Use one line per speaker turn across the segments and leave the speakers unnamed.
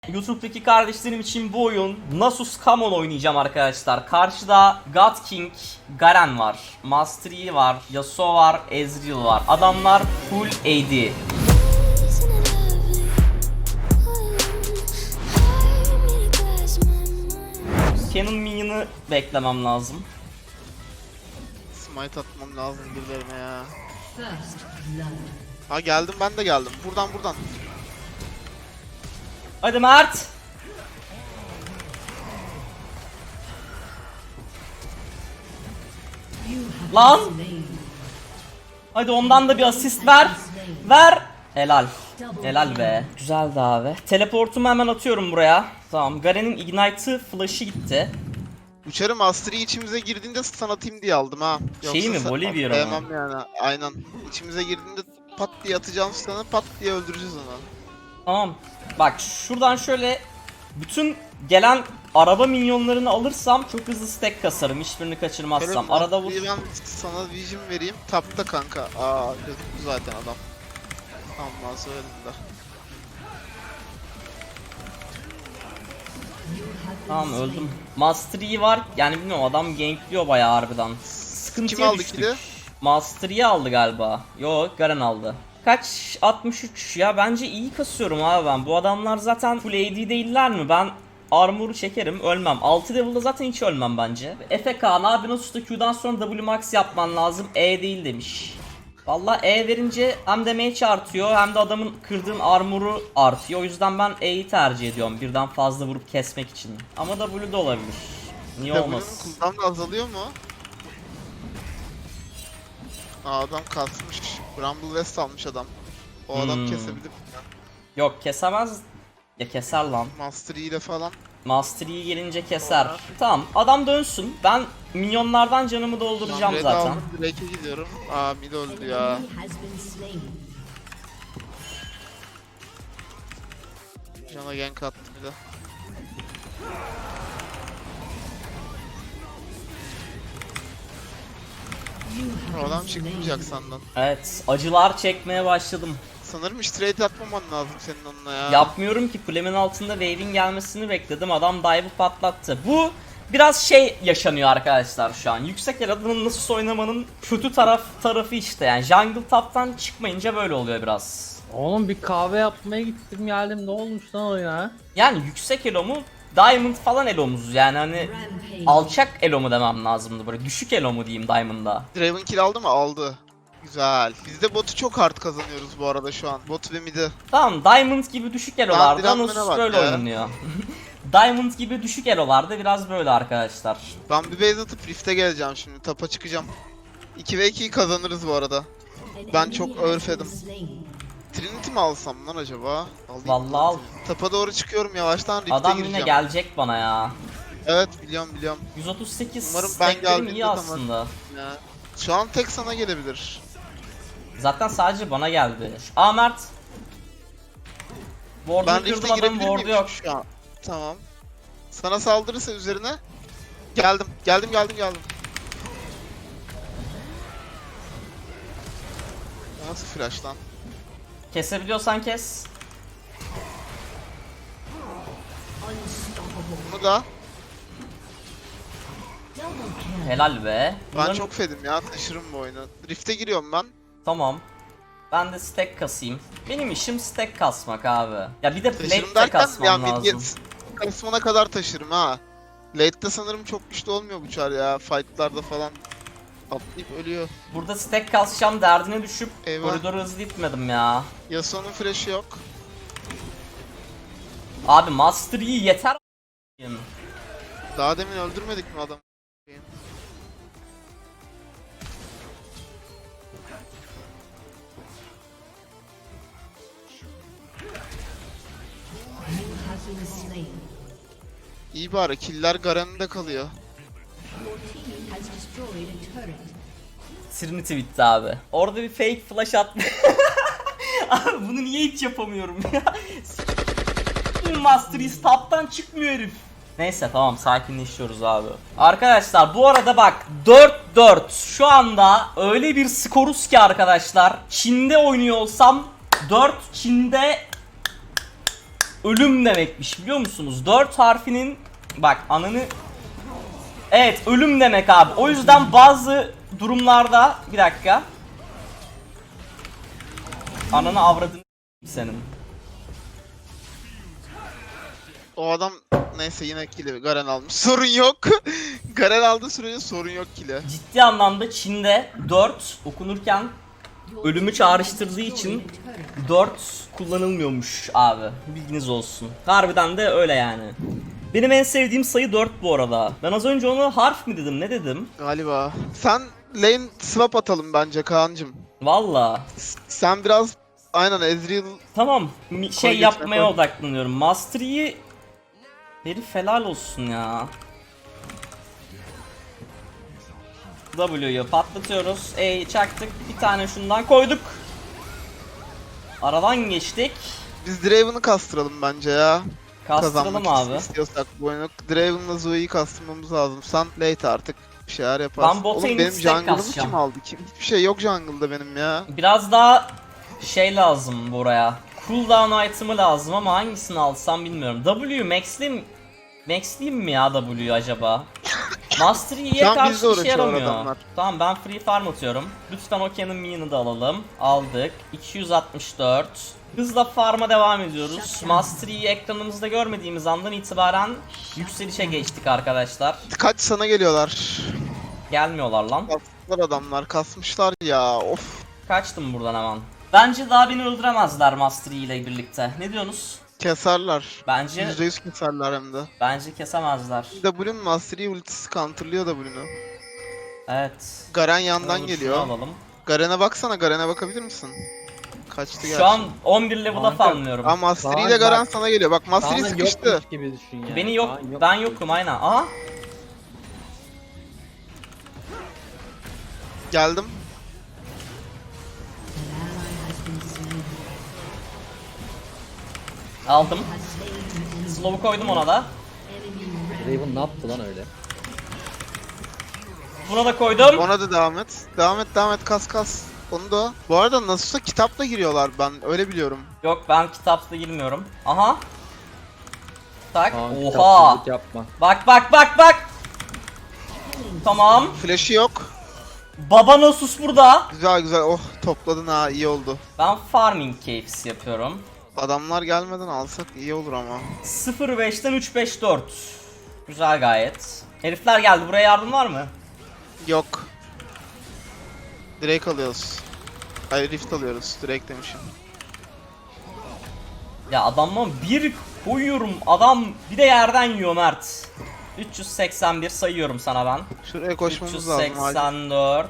YouTube'daki kardeşlerim için bu oyun Nasus Common oynayacağım arkadaşlar. Karşıda God King, Garen var, Master Yi var, Yasuo var, Ezreal var. Adamlar full AD. Canon minyonu beklemem lazım.
Smite atmam lazım birilerine ya. Ha geldim, ben de geldim. Buradan.
Hadi Mert. Lan. Hadi ondan da bir asist ver. Ver. Helal. Helal be. Güzeldi abi. Teleportumu hemen atıyorum buraya. Tamam. Garen'in Ignite'ı flash'ı gitti.
Uçarı Mastery içimize girdiğinde stun atayım diye aldım ha.
Şey mi, Volibear mı?
Sevmem yani. Aynen. İçimize girdiğinde pat diye atacağım stun'ı, pat diye öldüreceğiz onu.
Tamam. Bak şuradan şöyle bütün gelen araba minyonlarını alırsam çok hızlı stack kasarım. Hiçbirini kaçırmazsam.
Şöyle
Arada vur.
ben sana vision vereyim. Tapta kanka. Aa gözüktü zaten adam. Tamam söyledim de.
Tamam öldüm. Master Yi var. Yani bilmiyorum, adam gankliyor bayağı harbiden. Sıkıntıya
Kim aldı
düştük.
kili?
Master Yi aldı galiba. Yok, Garen aldı. Kaç? 63 ya. Bence iyi kasıyorum abi ben. Bu adamlar zaten full AD değiller mi? Ben armor'u çekerim, ölmem. 6 level'da zaten hiç ölmem bence. Efe Kaan abi Nasus'ta Q'dan sonra W max yapman lazım. E değil demiş. Vallahi E verince hem damage artıyor hem de adamın kırdığın armor'u artıyor. O yüzden ben E'yi tercih ediyorum birden fazla vurup kesmek için. Ama W de olabilir. Niye olmasın?
W'nun cooldown'u azalıyor mu? Aa adam kasmış. Bramble West almış adam. O adam kesebilir mi?
Yok, kesemez. Ya keser lan.
Master Yi ile falan.
Master Yi gelince keser. Tamam, adam dönsün. Ben minyonlardan canımı dolduracağım
Red
zaten.
aldım, Drake'e gidiyorum. Aa mid öldü ya. Cana gank attı bir de. O adam çıkmayacak sandan.
Evet, acılar çekmeye başladım.
Sanırım hiç trade atmaman lazım senin onunla ya.
Yapmıyorum ki, kulemin altında wave'in gelmesini bekledim. Adam dive'ı patlattı. Bu biraz şey yaşanıyor arkadaşlar şu an. Yüksek el adının nasıl oynamanın kötü tarafı işte. Yani jungle top'tan çıkmayınca böyle oluyor biraz.
Oğlum bir kahve yapmaya gittim geldim, ne olmuş lan oyuna?
Yani yüksek elo mu? Diamond falan elo muyuz? Yani hani alçak elo mu demem lazımdı, böyle düşük elo mu diyeyim Diamond'da.
Draven kill aldı mı? Aldı. Güzel. Biz de botu çok hard kazanıyoruz bu arada şu an. Bot ve mid'i.
Tamam, Diamond gibi düşük elolarda
Diamond'ına
Nasus
bak
böyle
ya.
oynanıyor. Diamond gibi düşük elolarda biraz böyle arkadaşlar.
Ben bir base atıp Rift'e geleceğim şimdi. Tapa çıkacağım. 2 ve 2'yi kazanırız bu arada. Ben çok örfedim. Trinity mi alsam lan acaba? Alayım.
Vallahi al.
Tapa doğru çıkıyorum yavaştan, Rift'e
Adam
gireceğim.
yine gelecek bana ya.
Evet biliyorum.
138
Umarım ben
stacklerim
geldiğimde
iyi
tamam.
aslında.
Ya. Şu an tek sana gelebilir.
Zaten sadece bana geldi. Mert.
Ben
Ward'unu
Rift'e
kırdım, adamın
girebilir
ward'u
miyim
yok.
şu an? Tamam. Sana saldırırsa üzerine. Geldim. Nasıl flash lan?
Kesebiliyorsan kes.
Bunu da.
Helal be.
Ben
Bunların-
çok fedim ya, taşırım bu oyunu. Rift'e giriyorum ben.
Tamam. Ben de stack kasayım. Benim işim stack kasmak abi. Ya bir de
Taşırım
plate de
derken ya
kasmam lazım.
mid kısmına kadar taşırım ha. Late'de sanırım çok güçlü olmuyor bu çar ya. Fight'larda falan atlayıp ölüyor.
Burada stack kasacağım derdine düşüp
Eyvah.
koridoru hızlı gitmedim ya.
Yasuo'nun flash'ı yok.
Abi Master Yi yeter.
Daha demin öldürmedik mi adamı? İyi bari, killer Garen'de kalıyor.
Trinity bitti abi. Orada bir fake flash attı. Abi bunu niye hiç yapamıyorum ya? Master Yi top'tan çıkmıyor herif. Neyse tamam, sakinleşiyoruz abi. Arkadaşlar bu arada bak 4-4 şu anda öyle bir skoruz ki arkadaşlar. Çin'de oynuyor olsam 4, Çin'de ölüm demekmiş biliyor musunuz? 4 harfinin bak ananı. Evet ölüm demek abi. O yüzden bazı durumlarda bir dakika. Ananı avradın senin.
O adam neyse yine kili Garen almış. Sorun yok. Garen aldığı sürece sorun yok kili.
Ciddi anlamda Çin'de 4 okunurken ölümü çağrıştırdığı için 4 kullanılmıyormuş abi. Bilginiz olsun. Harbiden de öyle yani. Benim en sevdiğim sayı 4 bu arada. Ben az önce onu harf mi dedim ne dedim?
Galiba. Sen lane swap atalım bence Kaan'cım.
Valla.
Sen biraz aynen Ezreal
Tamam şey
Koy
yapmaya
koy.
odaklanıyorum. Mastery'yi herif helal olsun ya. W'yu patlatıyoruz. Çaktık. Bir tane şundan koyduk. Aradan geçtik.
biz Draven'ı kastıralım bence ya.
Kastıralım
Kazanmak
abi.
istiyorsak bu oyunu. Draven'la Zoe'yi kastırmamız lazım. Sen late artık bir şeyler yaparsın.
Ben bota
Oğlum
inip
benim
stack
jungle'ımı
kasacağım.
kim aldı? Hiçbir şey yok jungle'da benim ya.
Biraz daha şey lazım buraya. Cooldown item'ı lazım ama hangisini alsam bilmiyorum. W maxliyim mi ya W'yu acaba? Mastery'ye
Şu an
karşı
bizle
işe
uğraşıyor
yaramıyor.
adamlar.
Tamam ben free farm atıyorum. Lütfen Okean'ın minion'ı da alalım. Aldık. 264. Hızla farm'a devam ediyoruz. Mastery'yi ekranımızda görmediğimiz andan itibaren yükselişe geçtik arkadaşlar.
Kaç sana geliyorlar.
Gelmiyorlar lan.
Kasmışlar adamlar kasmışlar ya of.
Kaçtım buradan hemen. Bence daha beni öldüremezler Mastery ile birlikte. Ne diyorsunuz?
Keserler.
Bence
%100 keserler hem de.
bence kesemezler.
W'nin Mastery ultisi counterlıyor W'nu.
Evet.
Garen yandan
Şunu
geliyor.
alalım.
Garen'e baksana, Garen'e bakabilir misin? Kaçtı gerçi.
Şu an 11 level'a
Kanka,
farmlıyorum.
Ama Mastery
Kaan
ile Garen
bak.
sana geliyor. Bak Mastery
Kaan'ın
sıkıştı.
yokmuş gibi düşün yani.
Beni yok,
Kaan
ben yokum aynen. Aha.
Geldim.
Aldım. Slow'u koydum ona da.
Raven ne yaptı lan öyle?
Buna da koydum.
Ona da devam et. Devam et, devam et. Kas kas. Onu da. Bu arada nasılsa kitapla giriyorlar, ben öyle biliyorum.
Yok ben kitapta girmiyorum. Aha. Tak.
Kaan,
Oha.
kitapsızlık yapma.
Bak bak bak bak. Tamam.
Flash'ı yok.
Baba Nasus burada.
Güzel güzel. Oh, topladın ha, iyi oldu.
Ben farming keyfisi yapıyorum.
Adamlar gelmeden alsak iyi olur ama.
0-5'ten 3-5-4. Güzel gayet. Herifler geldi. Buraya yardım var mı?
Yok. Drake alıyoruz. Hayır, Rift alıyoruz. Drake demişim.
Ya adamla bir koyuyorum. Adam bir de yerden yiyor Mert. 381 sayıyorum sana ben.
Şuraya koşmamız lazım. Acil.
384.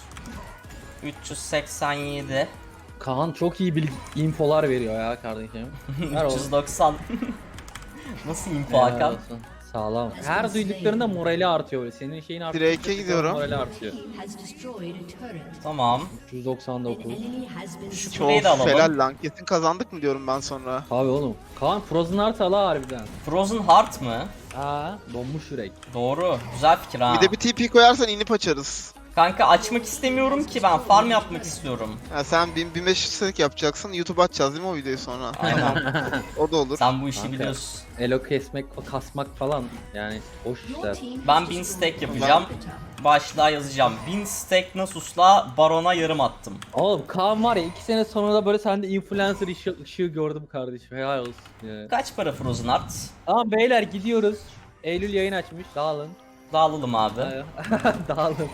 387.
Kaan çok iyi infolar veriyor ya kardeşim. Ver oğlum.
390. Nasıl info
Helal
Hakan?
olsun. Sağlam. Her duyduklarında morali artıyor öyle. Senin şeyin artıyor.
Drake'e gidiyorum.
Morali artıyor.
Tamam.
399.
Şu
Çok
kuleyi de alalım.
helal lan. Kesin kazandık mı diyorum ben sonra.
Abi oğlum. Kaan Frozen Heart ala harbiden.
Frozen Heart mı?
Aa, donmuş yürek.
Doğru. Güzel fikir ha.
Bir de bir TP koyarsan inip açarız.
Kanka açmak istemiyorum ki ben farm yapmak istiyorum.
Ya sen 1500 stack yapacaksın. YouTube açacağız değil mi o videoyu sonra?
Aynen.
O da olur.
Sen bu işi
Kanka.
biliyorsun.
Elo kesmek, kasmak falan yani boş işler.
Ben 1000 stack yapacağım. Başlığa yazacağım. 1000 stack Nasus'la Baron'a yarım attım.
Oğlum Kaan var ya 2 sene sonra da böyle sende influencer ışığı gördüm kardeşim. Helal olsun ya.
Kaç para Frozen Heart?
Tamam beyler gidiyoruz. Eylül yayın açmış. Dağılın.
Dağılalım abi.
Dağılın.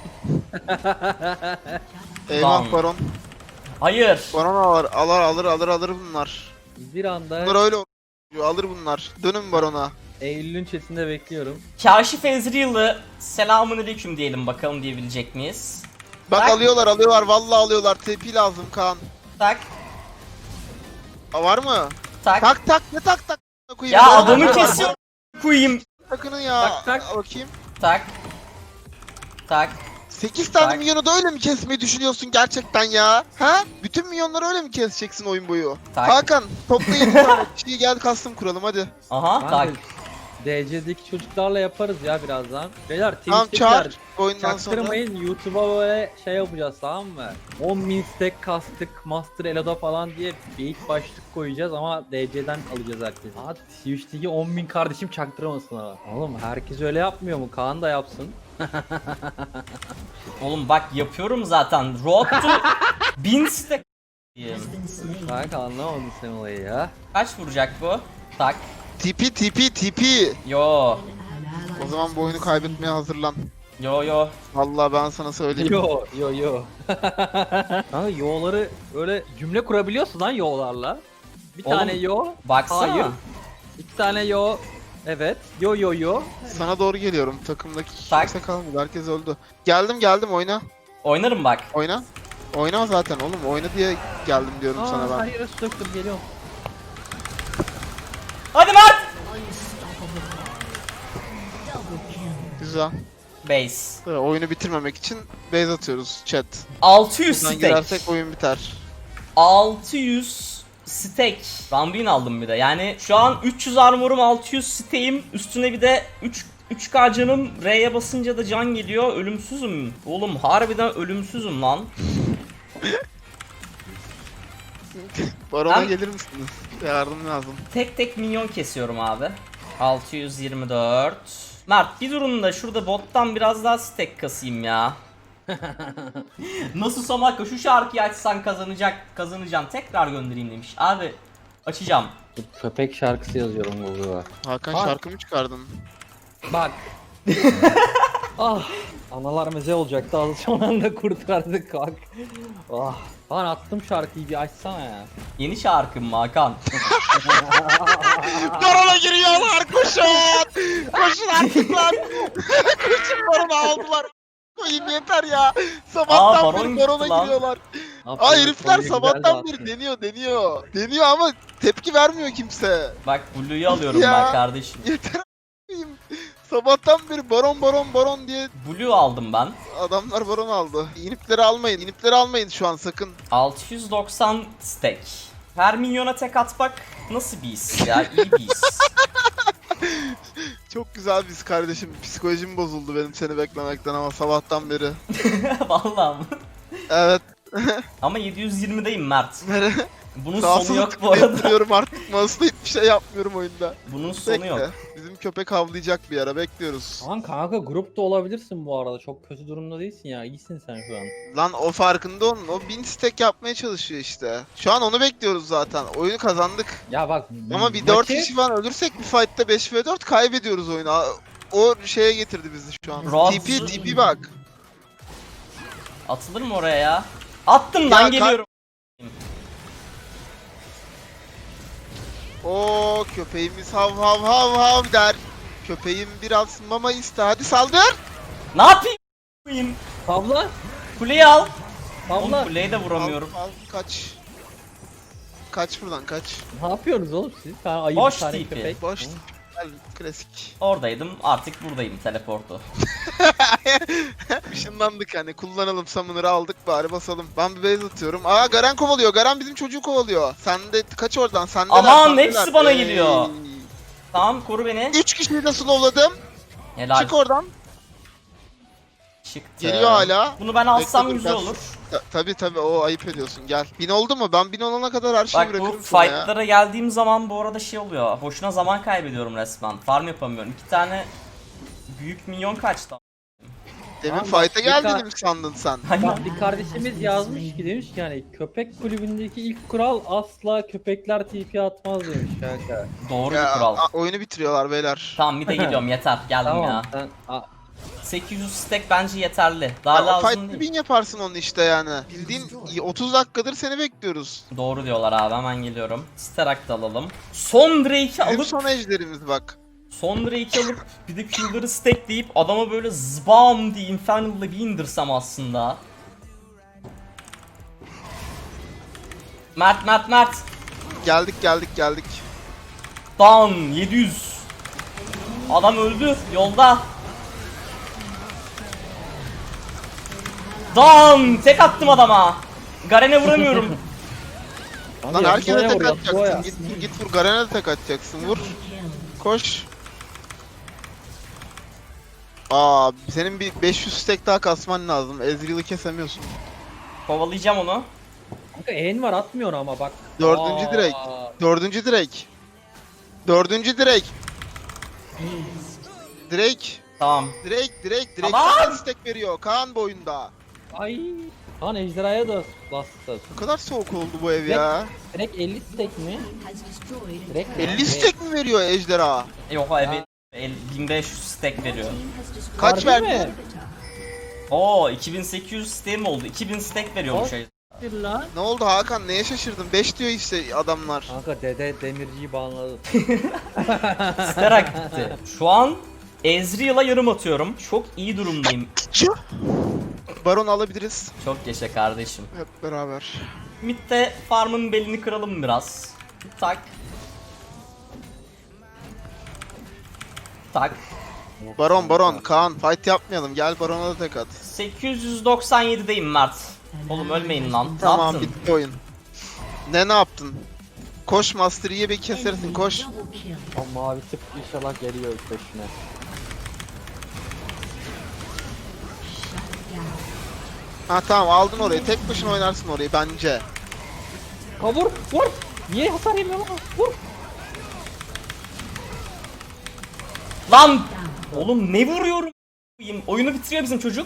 Eyvah
Lan.
Baron.
Hayır.
Baron alır bunlar.
Bir anda
Bunlar öyle alır bunlar. Dönün Baron'a.
Eylül'ün chatinde bekliyorum.
Kaşif Ezreal'ı selamünaleyküm diyelim bakalım diyebilecek miyiz?
Bak
Bak.
alıyorlar vallahi alıyorlar. TP lazım Kaan.
Tak.
Var mı?
Tak.
Tak ne tak koyayım.
Ya
Baron
adamı
var.
kesiyor. Koyayım.
Takının ya.
Tak, tak.
Bakayım.
Tak. Tak.
8 tane
Tak.
milyonu da öyle mi kesmeyi düşünüyorsun gerçekten ya? Ha? Bütün milyonları öyle mi keseceksin oyun boyu?
Tak.
Hakan topla 7 tane kişiyi gel custom kuralım hadi.
Aha tak.
Kanka, DC'deki çocuklarla yaparız ya birazdan. Beyler
Tamam
Twitch'tekiler
çağır oyundan sonra.
çaktırmayın, YouTube'a böyle şey yapacağız, tamam mı? 10.000 stack kastık Master Elo'da falan diye bir ilk başlık koyacağız ama DC'den alacağız herkesi. Aa, Twitch'teki 10.000 kardeşim çaktırmasın ha. Oğlum herkes öyle yapmıyor mu? Kaan da yapsın.
Oğlum bak yapıyorum zaten. Road to 1000 stack.
Kanka anlamadım sen olayı ya.
Kaç vuracak bu? Tak.
TP.
Yo.
O zaman bu oyunu kaybetmeye hazırlan.
Yo.
Vallahi ben sana söyleyeyim.
Yo. Kanka yo'ları öyle cümle kurabiliyorsun lan yo'larla. Bir
Oğlum,
tane yo.
Baksana.
Hayır. İki tane yo. Evet. Yo.
Sana doğru geliyorum. Takımdaki
Tak.
kimse kalmadı. Herkes öldü. Geldim oyna.
Oynarım bak.
Oyna. Oyna zaten oğlum. Oyna diye geldim diyorum sana ben.
Her yere su döktüm, geliyorum.
Hadi Mert.
Güzel.
Base.
Oyunu bitirmemek için base atıyoruz chat.
600
Buradan
stack.
girersek oyun biter.
600 stack. Rambin aldım bir de. Yani şu an 300 armorum, 600 stack'im. Üstüne bir de 3K canım. R'ye basınca da can geliyor. Ölümsüzüm. Oğlum harbiden ölümsüzüm lan.
Barona
Ben-
gelir misiniz? Yardım lazım.
Tek minyon kesiyorum abi. 624. Mert bir durun da şurada bottan biraz daha stack kasayım ya. Nasıl Somaka şu şarkıyı açsan kazanacaksın. Tekrar göndereyim demiş. Abi açacağım.
Köpek şarkısı yazıyorum Google'a.
Hakan
Bak.
şarkı mı çıkardın?
Bak. Analar meze olacaktı, az son anda kurtardık bak. Lan attım şarkıyı, bir açsana ya.
Yeni şarkım mı Hakan?
Barona giriyorlar koşun! Koşun artık lan! Koşun barona aldılar. Koyayım yeter ya. Sabahtan
baron
beri barona
gitti lan.
giriyorlar.
Ne
Aa
yapayım,
herifler
konuyu
sabahtan
güzel
beri
dağıttın.
deniyor. Deniyor ama tepki vermiyor kimse.
Bak Blue'yu alıyorum
Ya.
ben kardeşim.
Yeter a**ayım. Sabahtan beri baron diye
Blue aldım ben.
adamlar baron aldı. İnipleri almayın. İnipleri almayın şu an sakın.
690 stack. Her minyona tek atmak nasıl bir his ya? İyi bir his.
Çok güzel biz kardeşim. Psikolojim bozuldu benim seni beklemekten ama sabahtan beri.
Vallahi mı?
Evet.
Ama 720'deyim Mert. Bunun
Sağ
sonu yok bu arada.
Duruyorum artık. Mouse'la hiçbir şey yapmıyorum oyunda.
Bunun sonu yok.
Bekle. Bizim köpek havlayacak bir ara bekliyoruz.
Aman kanka grupta olabilirsin bu arada, çok kötü durumda değilsin ya, iyisin sen şu an.
Lan o farkında onun. O 1000 stack yapmaya çalışıyor işte. Şu an onu bekliyoruz zaten. Oyunu kazandık.
Ya bak
Ama bir 4 kişi falan ölürsek bir fight'ta 5v4 kaybediyoruz oyunu. O şeye getirdi bizi şu an.
Roz-
TP bak.
Atılır mı oraya ya? Attım lan
Ya,
geliyorum.
O köpeğimiz hav der. Köpeğim biraz mama iste. Hadi saldır.
Ne yapayım?
Abla,
Kuleyi al. Oğlum
abla,
kuleyi de vuramıyorum.
Al, kaç. Kaç buradan kaç.
ne yapıyorsunuz oğlum siz? Ha, ayı
Boş
bir tane
TP.
köpek.
Boş. Gel klasik.
Oradaydım artık buradayım teleportu.
Işınlandık hani kullanalım summoner'ı aldık bari basalım. Ben bir base atıyorum. Aa Garen kovalıyor. Garen bizim çocuğu kovalıyor. Sen de kaç oradan sen de.
Aman, hepsi bana geliyor. Tamam koru beni.
3 kişiyi de slowladım.
Helal.
Çık oradan.
Çıktı.
Geliyor hala.
Bunu ben alsam
Bekle, dur,
güzel
ben-
olur.
Tabi o ayıp ediyorsun gel. 1000 oldu mu? Ben 1000 olana kadar her şeyi
Bak bu
bırakırım sana ya.
fightlara geldiğim zaman bu arada şey oluyor. Boşuna zaman kaybediyorum resmen. Farm yapamıyorum. 2 tane büyük minyon kaçtı.
Demin
Tamam,
fight'a
bir
geldiğini
ka-
mi sandın sen?
Bak bir kardeşimiz yazmış ki, demiş ki yani köpek kulübündeki ilk kural asla köpekler TP atmaz demiş kanka.
Doğru
Ya,
bir kural.
oyunu bitiriyorlar beyler.
Tamam bir de geliyorum yeter. Geldim
Tamam
ya.
sen
800 stack bence yeterli. Daha
Ya, o
lazım
fight'ta
değil.
1000 yaparsın onu işte yani. Bildiğin 30 dakikadır seni bekliyoruz.
Doğru diyorlar abi, hemen geliyorum. Sterak da alalım. Son Drake'i
Bizim
alıp
son ejderimiz bak.
Son Drake'i alıp bir de Q'ları stackleyip adama böyle zbam diye Infernal'la bir indirsem aslında. Mert.
Geldik.
Down 700. Adam öldü yolda. Down tek attım adama. Garen'e vuramıyorum.
Lan herkese tek
vuruyor,
atacaksın. Git vur Garen'e de tek atacaksın. Vur. Koş. Aa, senin bir 500 stack daha kasman lazım. Ezreal'ı kesemiyorsun.
Kovalayacağım onu.
Kanka en var atmıyor ama bak.
Dördüncü direkt. Dördüncü direkt. Dördüncü direkt. Direkt.
Tamam.
Direkt.
Tamam.
Kaan stack veriyor. Kaan boyunda.
Ay. Lan ejderhaya da bastı.
Bu kadar soğuk oldu bu ev ya.
Direkt 50 stack mi? Direkt
50 stack mi veriyor ejderha?
Yok abi 1500 stack veriyor.
Kaç
Harbi
verdi?
mi?
Oo 2800 stack mi oldu? 2000 stack veriyormuş.
Bir lan.
Ne oldu Hakan? Neye şaşırdın? 5 diyor işte adamlar.
Kanka dede demirciyi banladı.
Sterak gitti. Şu an Ezreal'a yarım atıyorum. Çok iyi durumdayım.
Baron alabiliriz.
Çok yaşa kardeşim.
Hep beraber.
Mid'de farmın belini kıralım biraz. Tak. Tak.
Baron. Kaan fight yapmayalım. Gel Baron'a da tek at.
897'deyim Mert. Oğlum ölmeyin lan. Ne
Tamam,
yaptın?
bitti oyun. Ne yaptın? Koş Master Yi'ye bir kesersin, koş.
O mavi tık inşallah geliyor peşine.
Ha tamam, aldın orayı. Tek başına oynarsın orayı bence.
Kabur vur. Niye hasar yemiyor lan? Vur.
Lan! Oğlum ne vuruyorum? Oyunu bitiriyor bizim çocuk.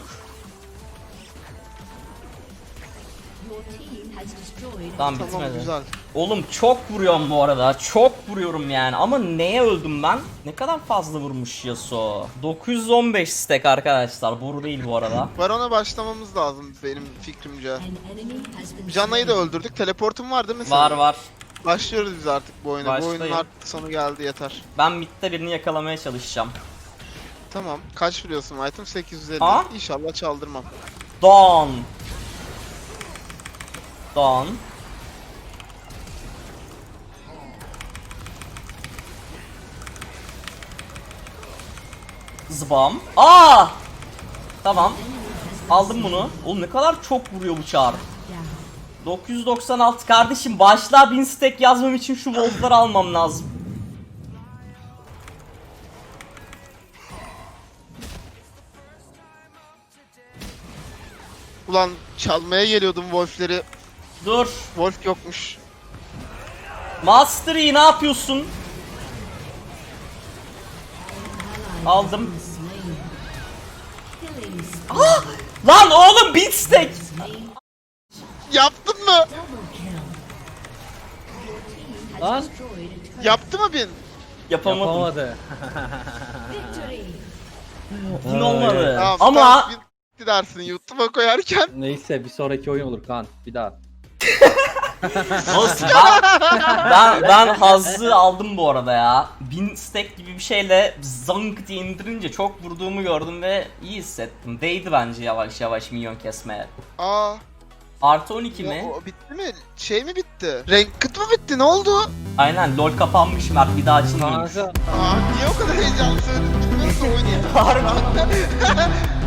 Tamam
Tamam,
bitmedi.
güzel.
Oğlum çok vuruyorum bu arada. Çok vuruyorum yani. Ama neye öldüm ben? Ne kadar fazla vurmuş Yasuo. 915 stack arkadaşlar. Boru değil bu arada.
Baron'a başlamamız lazım benim fikrimce. Canayı da öldürdük. Teleportum var değil mi senin?
Var.
Başlıyoruz biz artık bu oyuna. Bu
Başlayın.
oyunun artık sonu geldi, yeter.
Ben midde birini yakalamaya çalışacağım.
Tamam. Kaç vuruyorsun item? 850.
Aa.
İnşallah çaldırmam.
Don. Zbam. Aa! Tamam. Aldım bunu. Oğlum ne kadar çok vuruyor bu çağrı. 996 kardeşim, başlığa 1000 stack yazmam için şu voltları almam lazım.
Ulan çalmaya geliyordum Wolf'leri.
Dur.
Wolf yokmuş.
Master Yi ne yapıyorsun? Aldım. Ah! Lan oğlum 1000 stack.
Yaptın mı?
Lan
Yaptı mı bin?
Yapamadım.
yapamadı.
Bin olmadı.
Tamam,
Ama
bin bitti dersin YouTube'a koyarken.
Neyse bir sonraki oyun olur Kaan. Bir daha.
olsun, ben hazzı aldım bu arada ya. 1000 stack gibi bir şeyle zank diye indirince çok vurduğumu gördüm ve iyi hissettim. Değdi bence yavaş yavaş minyon kesmeye.
Aa.
Artı 12 mi?
O bitti mi? Şey mi bitti? Ranked mı bitti? Ne oldu?
Aynen, LoL kapanmış Mert, bir daha açılmıyormuş.
Kanka
Aa, niye o kadar heyecanlı söyledin? Bilmiyorum da oynayalım.
Harbi.